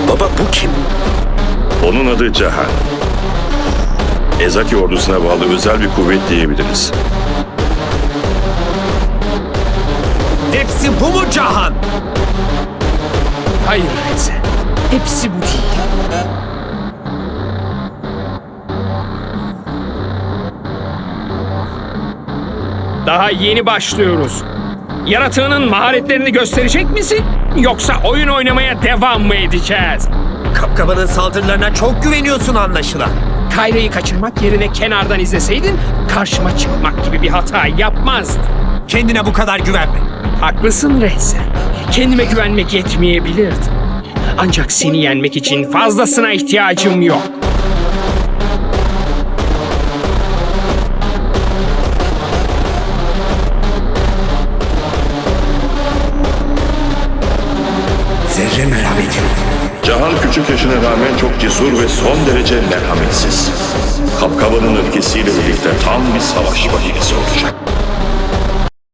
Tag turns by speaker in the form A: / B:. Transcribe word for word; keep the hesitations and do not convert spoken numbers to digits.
A: Baba bu kim?
B: Onun adı Cahan. Ezaki ordusuna bağlı özel bir kuvvet diyebiliriz.
C: Hepsi bu mu Cahan?
D: Hayır Reze. Hepsi bu değil. Daha yeni başlıyoruz. Yaratığının maharetlerini gösterecek misin? Yoksa oyun oynamaya devam mı edeceğiz?
C: Kapkabanın saldırılarına çok güveniyorsun anlaşılan.
D: Kayra'yı kaçırmak yerine kenardan izleseydin karşıma çıkmak gibi bir hata yapmazdın.
C: Kendine bu kadar güvenme.
D: Haklısın Reze. Kendime güvenmek yetmeyebilirdi. Ancak seni yenmek için fazlasına ihtiyacım yok.
C: Zerre merhameti.
B: Cahan küçük yaşına rağmen çok cesur ve son derece merhametsiz. Kapkabanın öfkesiyle birlikte tam bir savaş makinesi olacak.